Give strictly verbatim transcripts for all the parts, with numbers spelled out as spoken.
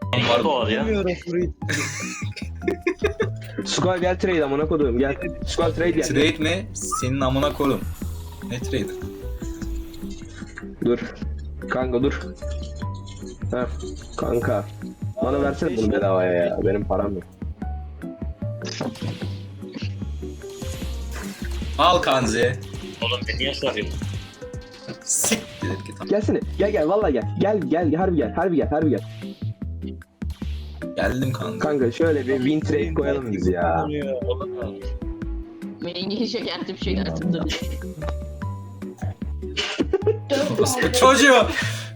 Var doğal ya. Bilmiyorum Fruit. Squall gel trade amına koduğum gel. Squall trade gel. Trade mi? Senin amına koydum. Ne trade? Dur. Kanka dur. Heh. Kanka. Bana versene bunu bedavaya ya. Benim param yok. Al Kanzi. Oğlum beni niye sarıyorsun? Siktir et git. Gelsene. Gel gel vallahi gel. Gel gel harbi gel. Harbi gel. Harbi gel. Geldim kanka. Kanka şöyle bir win trade koyalım biz ya. Mengi şekertim şekertim dur. Orospu çocuğu.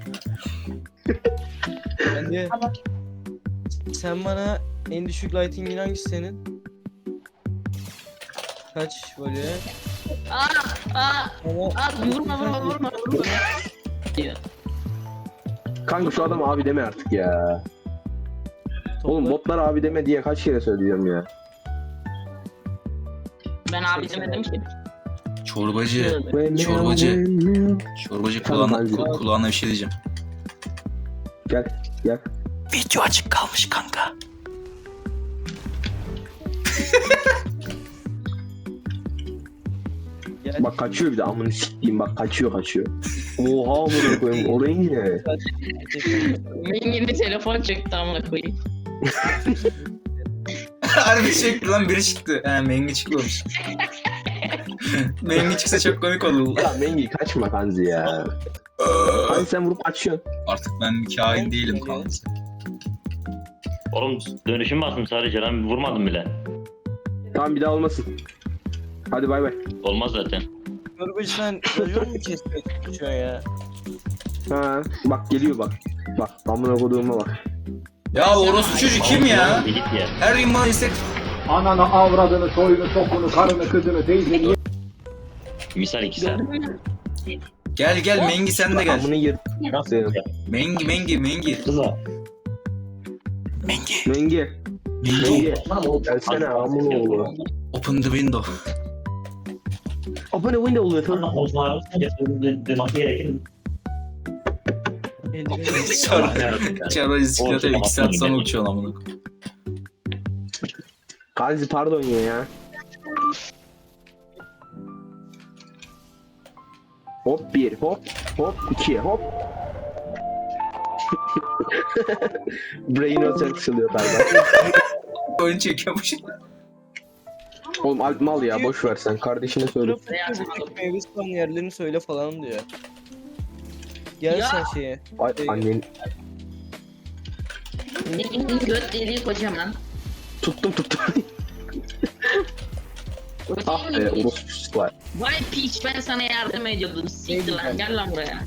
Bence sen bana en düşük lighting'in hangisi senin? Kaç böyle? Aa aa Ama aa vurma vurma vurma vurma. Diyor. Kanka şu adam abi deme artık ya. Oğlum topla. botlar abi deme diye kaç kere söylüyorum ya. Ben abi demedim ki. Çorbacı. Çorbacı. Çorbacı kulağına, Kanka. ku- kulağına bir şey diyeceğim. Gel gel. Video açık kalmış kanka. Gel. Bak kaçıyor bir de amını sikeyim bak kaçıyor kaçıyor. Oha amına koyayım orayı ne? Mengi'nin telefon çekti amına koyayım. Harbi çekti lan biri çıktı. He Mengi çıkmamış. Mengi çıksa çok komik olur. Ya Mengi kaçma Kanzi ya. Hani sen vurup açıyorsun. Artık ben bir kain değilim Kanzi. Oğlum dönüşüm bastım sadece lan vurmadım bile. Tamam bir daha olmasın. Hadi bay bay. Olmaz zaten. Çorbacı sen racon mu kesmeye çalışıyorsun ya? Ha bak geliyor bak. Bak amına koduğuma bak. Ya orospu çocuk kim ya? Bir git ya. Her gün bana istek... Ananı, avradını, soyunu, sokunu, karını, kızını, teyzeni, Misal iki saat. Gördün mü? Gel gel Mengi sen de gel. Amını yır. Nasıl Senin. ya? Mengi Mengi Mengi. Kıza. Mengi. Mengi. Mengi. Gelsene amına oğlu. Open the window. Open a window oluyor. Sonra Çarpı bisiklete iki saat sonra uçuyor lan bunu. Kanzi pardon ya ya. Hop bir hop hop iki hop. Brain Rot çalıyor galiba. Oyun çekiyormuş. Oğlum Alp mal ya boş ver sen kardeşine söyle. Meyve spawn yerlerini söyle falan diyor. Gel Ya. sen şeye. Ay annen Mengi'nin göt deliği kocaman. tuttum tuttum. Ah be orospu var. Vay piç ben sana yardım ediyordum. Siktir lan gel lan buraya.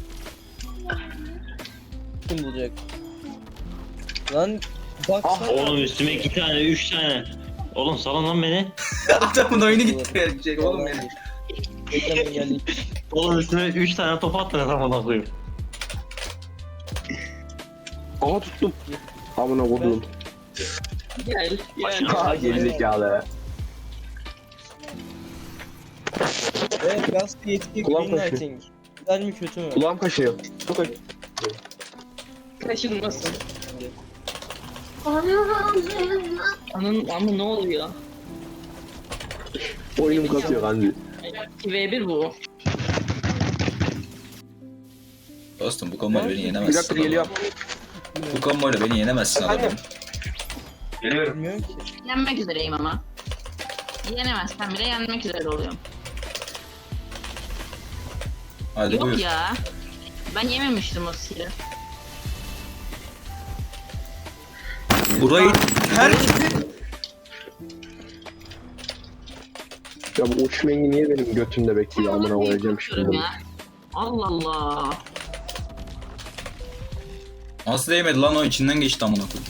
Kim bulacak? Lan bak Ah, sen- Oğlum üstüme iki tane, üç tane. Oğlum salın lan beni. Adamın oyunu gitti verecek oğlum benim. Bekle ben geldim. Oğlum üstüme üç tane top attınız amına koyayım. Aha tuttum. Amına kodum. Gel gel. Ha gerizekalı. Evet gaz yetki Kulağım green kaşıyor. lighting. Güzel mi kötü mü? Kulağım kaşıyor. Çok acı. Kaşınmasın. Anın ama ne oluyor? Oyunum kasıyor Kanzi. iki ve bir bu. Dostum bu komboyla beni Bir yenemezsin. dakika geliyor. Bu komboyla beni yenemezsin adamım. Bilmiyorum ki. Yenmek üzereyim ama. Yenemezsem bile yenmek üzere oluyorum. Hadi Yok buyur. ya. Ben yememiştim o siri. Burayı her... Ya bu uç mengi niye benim götümde bekliyor amına koyacağım şimdi. Ya. Allah Allah. Nasıl değmedi lan o içinden geçti amına koyayım.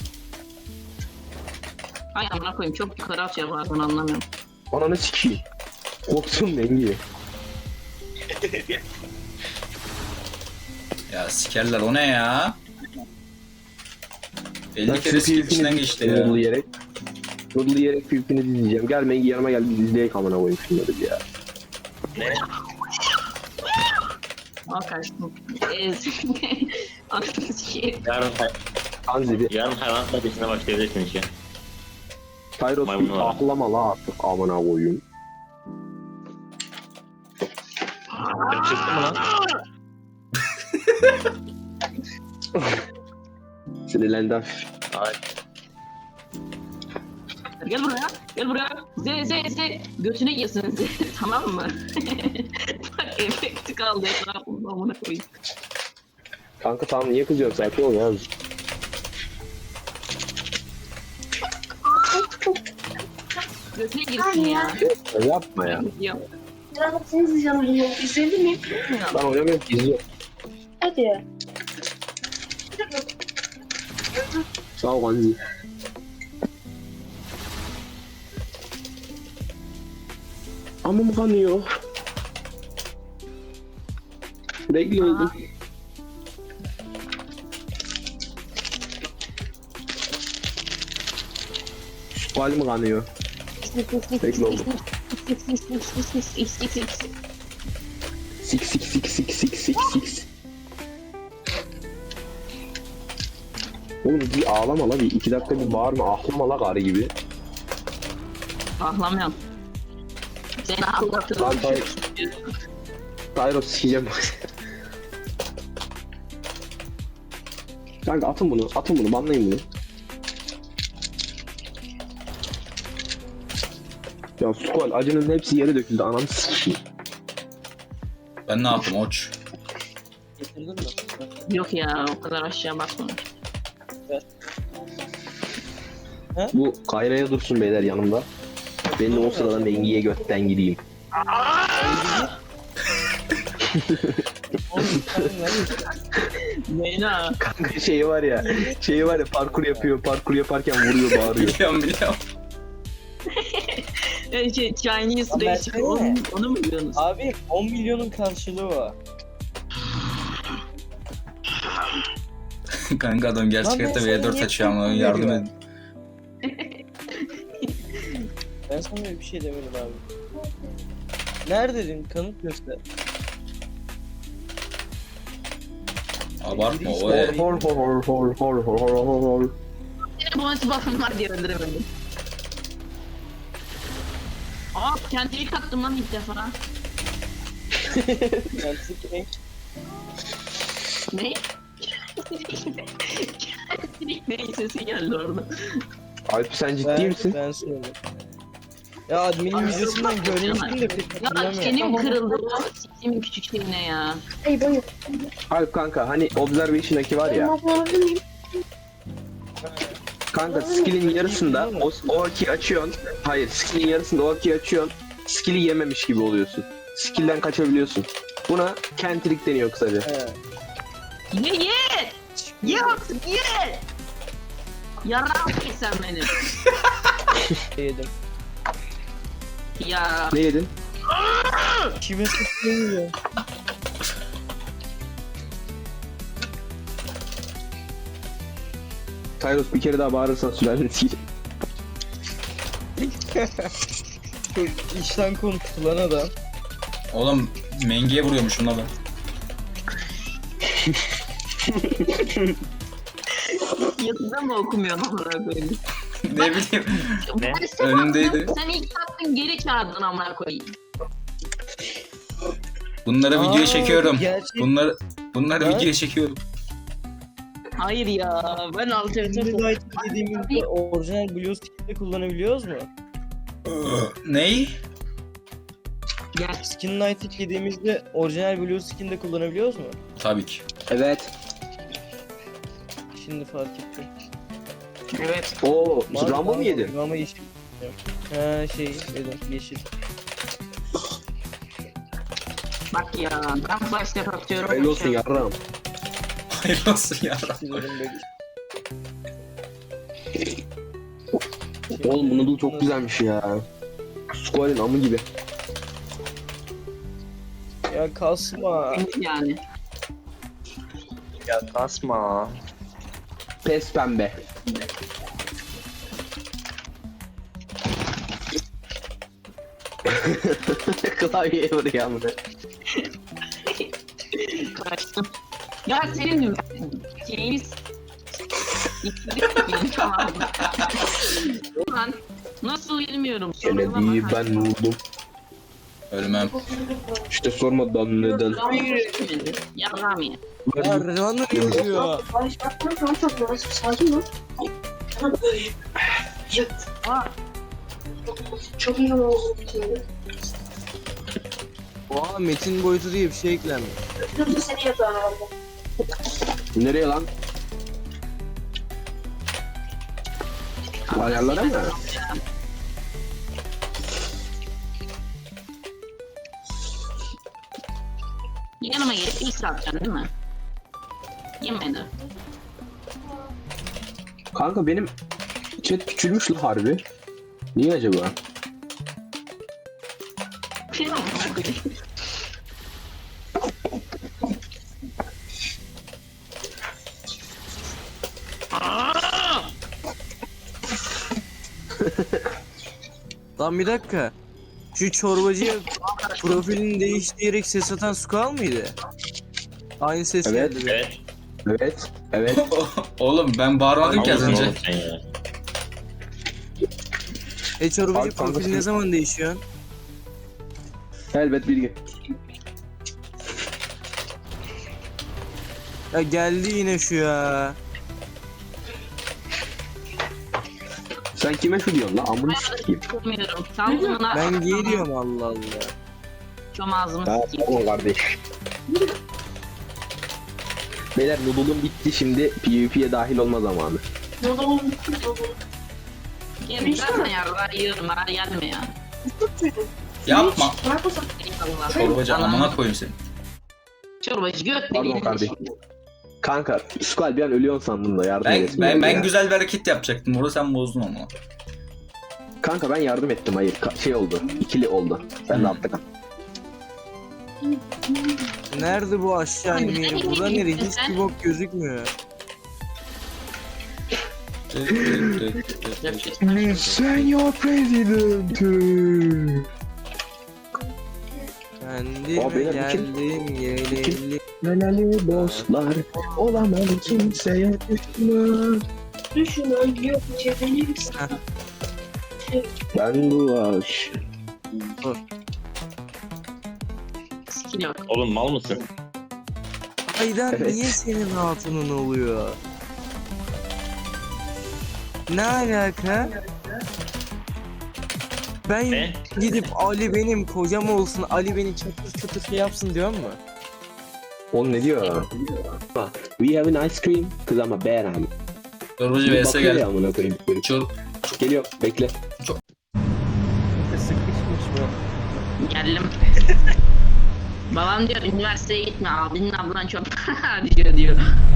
Ay amına koyayım çok yukarı atıyor bazen anlamıyorum. Ananı sikeyim. Korktum mengi. Ya sikerler o ne ya? Ben elli kere skip içinden geçti ya. Noodle yiyerek. Noodle yiyerek PvP'ni izleyeceğim. Gel mengi yanıma gel biz izleyek amına koyayım şunları ya. Al kaçtım. Ez. Anasını sikeyim. Yarın Kanzi bir Yarın hayvanat bahçesine başlayabilirsin işe. Tyros Maymun bir var. ahlama la artık amına koyayım. Çıktı mı lan? Sinirlendi hafif. Ay. Gel buraya. Gel buraya. Z Z Z. Götüne yesin Z. Tamam mı? Bak efekti kaldı etrafımda amına koyayım. Kanka tamam niye kızıyorsun sakin ol ya. Götüne girsin ya. Yapma ya. Yok. Rahatsınız canım. İzledin mi? Ben oynamıyorum ki izliyorum. Hadi. Sağ ol Kanzi. Ama mı kanıyor? Bekliyordum. Bal mı kanıyor? Bekle oğlum. Sik sik sik sik sik sik sik. Oğlum bir ağlama la bir iki dakika bir bağırma ahlama la karı gibi. Ahlamıyorum. Seni ağlatırım. Lan Tyros. Tyros sikeceğim bak. Kanka atın bunu atın bunu banlayın bunu. Ya Squall acının hepsi yere döküldü ananı sikeyim. Ben ne yaptım oç? Getirdin mi? Yok ya o kadar aşağı bakma. Bu Kayra'ya dursun beyler yanımda. Ben de o sırada Mengi'ye götten gireyim. Oğlum sen lan. Neyna? Kanka şeyi var ya, şeyi var ya parkur yapıyor, parkur yaparken vuruyor, bağırıyor. Biliyorum biliyorum. Şey, Chinese Lan Race. versene. Onu, onu mu biliyorsunuz? Abi on milyonun karşılığı var. Kanka adam gerçek Lan ben hayatta sana V dört niye açıyor ama tepki yardım veriyorum? edin. Ben sana öyle bir şey demedim abi. Neredeydin? Kanıt göster. Abartma o Hor e. hor hor hor hor hor hor hor hor. Senin bonus buff'ın var diye öldüremedim. Aa kendimi kattım lan ilk defa. Ben sikeyim. Ne? Ne sesi geldi orada. Alp sen ciddi Ben, misin? ben söyleyeyim. Ya adminin videosundan görmüştüm de pek Ya hatırlamıyorum. senin kırıldı o siktiğim küçük şeyine ya. Ay buyur. Alp kanka hani Observation'daki var ya, Alabilir miyim? kanka skill'in yarısında o, o akiyi açıyorsun. Hayır, skill'in yarısında o akiyi açıyorsun. Skill'i yememiş gibi oluyorsun. Skill'den kaçabiliyorsun. Buna kentrik deniyor kısaca. He. Ye ye! Ye artık ye! Yarar ki sen benim. Yedim. Ya Ne yedin? Kime sıkılmıyor? Tyros bir kere daha bağırırsan sülaleni sikeceğim. Çok işten konuştu lan adam. Oğlum Mengi'ye vuruyormuşum la ben. yazıda mı okumuyorsun amına koyayım? Ne bileyim. Ne? Ben sen Önümdeydi. attın, Sen ilk attın geri çağırdın amına koyayım. Bunları Aa, videoya çekiyorum. gerçek- Bunları bunları Ha? videoya çekiyorum. Hayır ya ben alternatif Şimdi Light dediğimizde orijinal Blue Skin'de kullanabiliyoruz mu? Ney? Gel. Skin Light dediğimizde orijinal Blue Skin'de kullanabiliyoruz mu? Tabii ki. Evet. Şimdi fark ettim. Evet. Oo, Mavi, Rambo mu mavi, yedin? Ama yeşil. Ha şey yedim yeşil. Bak ya ben flash tap atıyorum. Hayırlı olsun yarram. Hayırlı olsun ya. Sinirim böyle. Oğlum bu noodle çok güzelmiş ya. Squall'in amı gibi. Ya kasma. Yani. Ya kasma. Pes pembe. Klavyeye vuruyor amına. Kaçtım. Ya senin şeyiniz Tamam. Ulan nasıl bilmiyorum. Kennedy ben vurdum. Ölmem. İşte sormadan neden. Yalan ya. Ya Runner yazıyor. Barış bak bak tamam çok yavaş sakin ol. Tamam böyle. Yok. Aa, Çok iyi oldu şimdi. Oha metin boyutu diye bir şey eklenmiş. Dur dur seni yapıyorum herhalde. Nereye lan? Ayarlara mı? yanıma gelip ilk satacaksın değil mi? Yemedi. Kanka benim chat küçülmüş la harbi. Niye acaba? Lan bir dakika. Şu çorbacıya profilini değiştirerek ses atan Skull mıydı? Aynı ses Evet. geldi. be. Evet. Evet. Evet. Oğlum ben bağırmadım ki az Malısın önce. oğlum sen ya. E çorbacı Abi, kanka profili sen- ne zaman değişiyor? Elbet bilgi. Ya geldi yine şu ya. Sen kime şu diyorsun la? Amını sikeyim. Bilmiyorum. Saldırına Ben geliyorum Allah Allah. çom ağzımı Ha, sikeyim. tamam kardeş. Beyler noodle'um bitti, şimdi PvP'ye dahil olma zamanı. Noodle'um bitti. Noodle'um. Yemin zaten yarlar yiyorum. Bana gelme ya. Bitti. Yapma. Bırak o zaman. Eyvallah. Çorbacı Anam. amına koyayım seni. Çorbacı göt Pardon deliğini kardeşim. Kanka, Skull bir an ölüyorsun sandım da yardım Ben edesin ben, geldi ben ya. güzel bir hareket yapacaktım. Orada sen bozdun ama. Kanka ben yardım ettim, hayır. Ka- şey oldu, ikili oldu. Sen de altta kal. Nerede bu aşağı inme yeri? Burada nereye? Hiçbir bok gözükmüyor. Senyor President. Kendime Aa, beyler, bu kim? geldim geleli. Melali dostlar, olamam kimseye düşman. Düşünün yok çeviririz. Ben bu aş. Skill yok. Oğlum mal mısın? Haydar Evet. niye senin hatunun oluyor? Ne alaka? Ben Ne? gidip Ali benim kocam olsun, Ali beni çatır çatır şey yapsın diyor mu? Oğlum ne diyor? We have an ice cream, kız ama beğen. Çorbacı vs Bakıyor ya gel. amına koyayım. Çor Geliyor, bekle. Sıkışmış bu. Geldim. Babam diyor üniversiteye gitme, abinin ablan çok diyor diyor.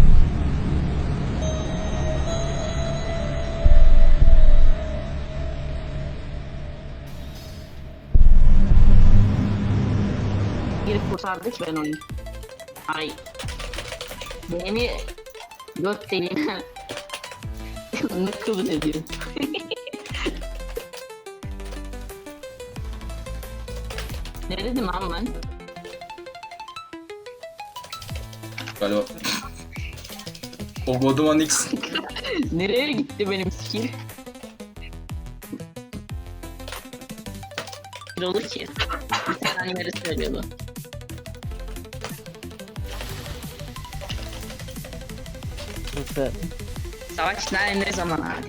Girip kurtardık ben onu. Ay. Beni göt deliğine ne kabul ediyor. Ne dedim lan ben? galiba. O Goduman X. Nereye gitti benim skill? Ne olur ki? Bir tane animeri söylüyordu. Nasıl? Savaş nerede ne zaman abi?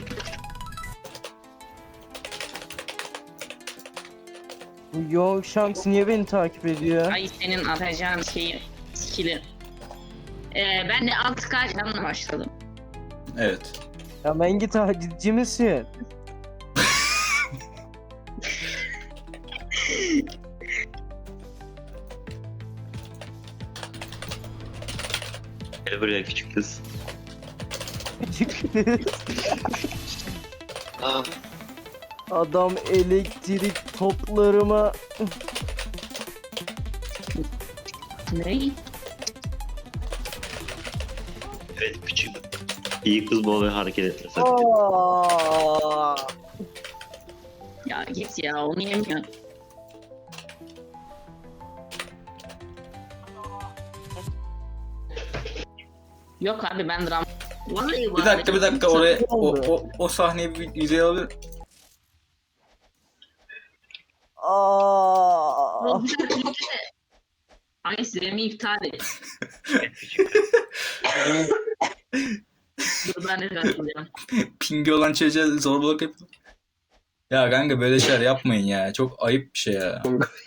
Bu Yok Shanks niye beni takip ediyor? Ay senin atacağın şeyi, skill'i. Ee, ben de altı K canla başladım. Evet. Ya ben git takipçi misin? Gel buraya küçük kız. Adam elektrik toplarıma Ne? Evet küçük. İyi kız bu oluyor, hareket etmesen. Aa! Ya git ya, onu yemiyor. Yok abi ben dram Vallahi Bir var. dakika bir dakika oraya o, o, o sahneyi bir yüzeye alabilir. Aa. Ay Zemi iptal et. Dur ben de katılıyorum. Pingi olan çocuğa zorbalık yapıyor. Ya kanka böyle şeyler yapmayın ya. Çok ayıp bir şey ya.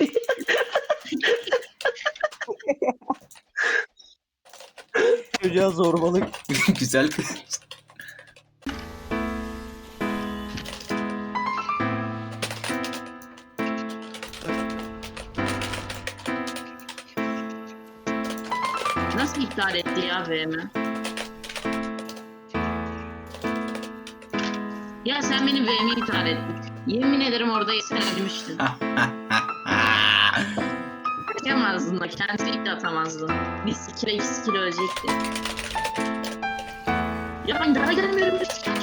Çocuğa zorbalık. Güzel. Nasıl iptal etti ya V M? Ya sen benim V M'yi iptal ettin. Yemin ederim orada sen ölmüştün. Atamazdın da kendisi ilk de atamazdın. Bir sikire iki sikire ölecekti. Ya ben daha gelmiyorum.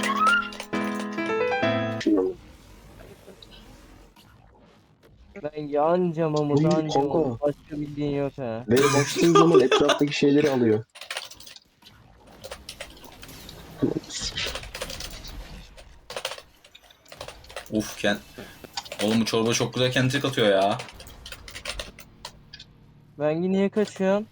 Ben yanca Mahmut Oy, anca kanka. Mahmut. Başka bildiğin yok ha. Ve bastığın zaman etraftaki şeyleri alıyor. Uf Ken. Oğlum bu çorba çok güzel kentrik atıyor ya. Ben niye kaçıyorum?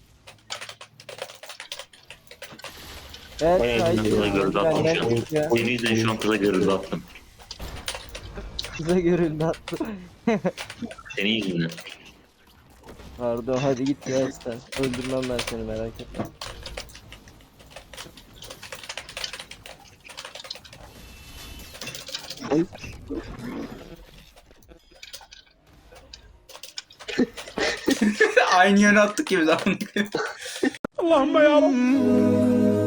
Evet, Bayağı haydi. kıza görüldü attım şu an. Benden ya. Oyunu izleyin şu an kıza görüldü attım. Kıza görüldü attı. Senin yüzünden. Pardon hadi git ya sen. Öldürmem ben seni merak etme. Aynı yöne attık gibi zaman. Allahümme ya Rabbi.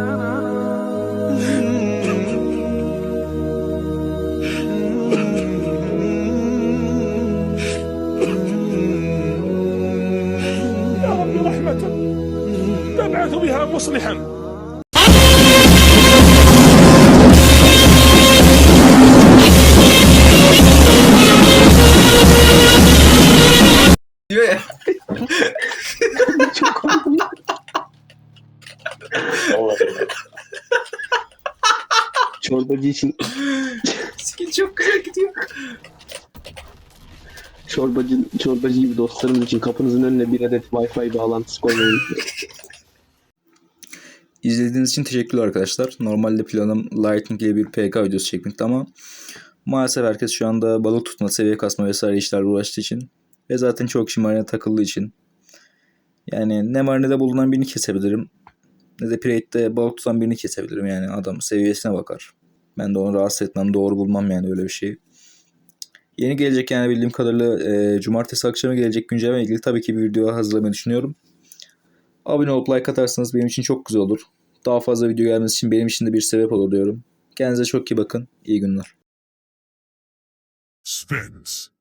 يا رب رحمة تبعث بها مصلحا. Diyor ya. Vallahi. Çorbacı için Skin çok güzel gidiyor. çorbacı çorbacı gibi dostlarımız için kapınızın önüne bir adet Wi-Fi bağlantısı koymayın. İzlediğiniz için teşekkürler arkadaşlar. Normalde planım Lightning ile bir P K videosu çekmekti ama maalesef herkes şu anda balık tutma, seviye kasma vesaire işlerle uğraştığı için ve zaten çok kişi marine takıldığı için yani ne marinede bulunan birini kesebilirim ne de Pirate'de balık tutan birini kesebilirim. Yani adam seviyesine bakar. Ben de onu rahatsız etmem, doğru bulmam yani öyle bir şeyi. Yeni gelecek yani bildiğim kadarıyla e, cumartesi akşamı gelecek güncelleme ile ilgili tabii ki bir video hazırlamayı düşünüyorum. Abone olup like atarsanız benim için çok güzel olur. Daha fazla video gelmesi için benim için de bir sebep olur diyorum. Kendinize çok iyi bakın. İyi günler. Spence.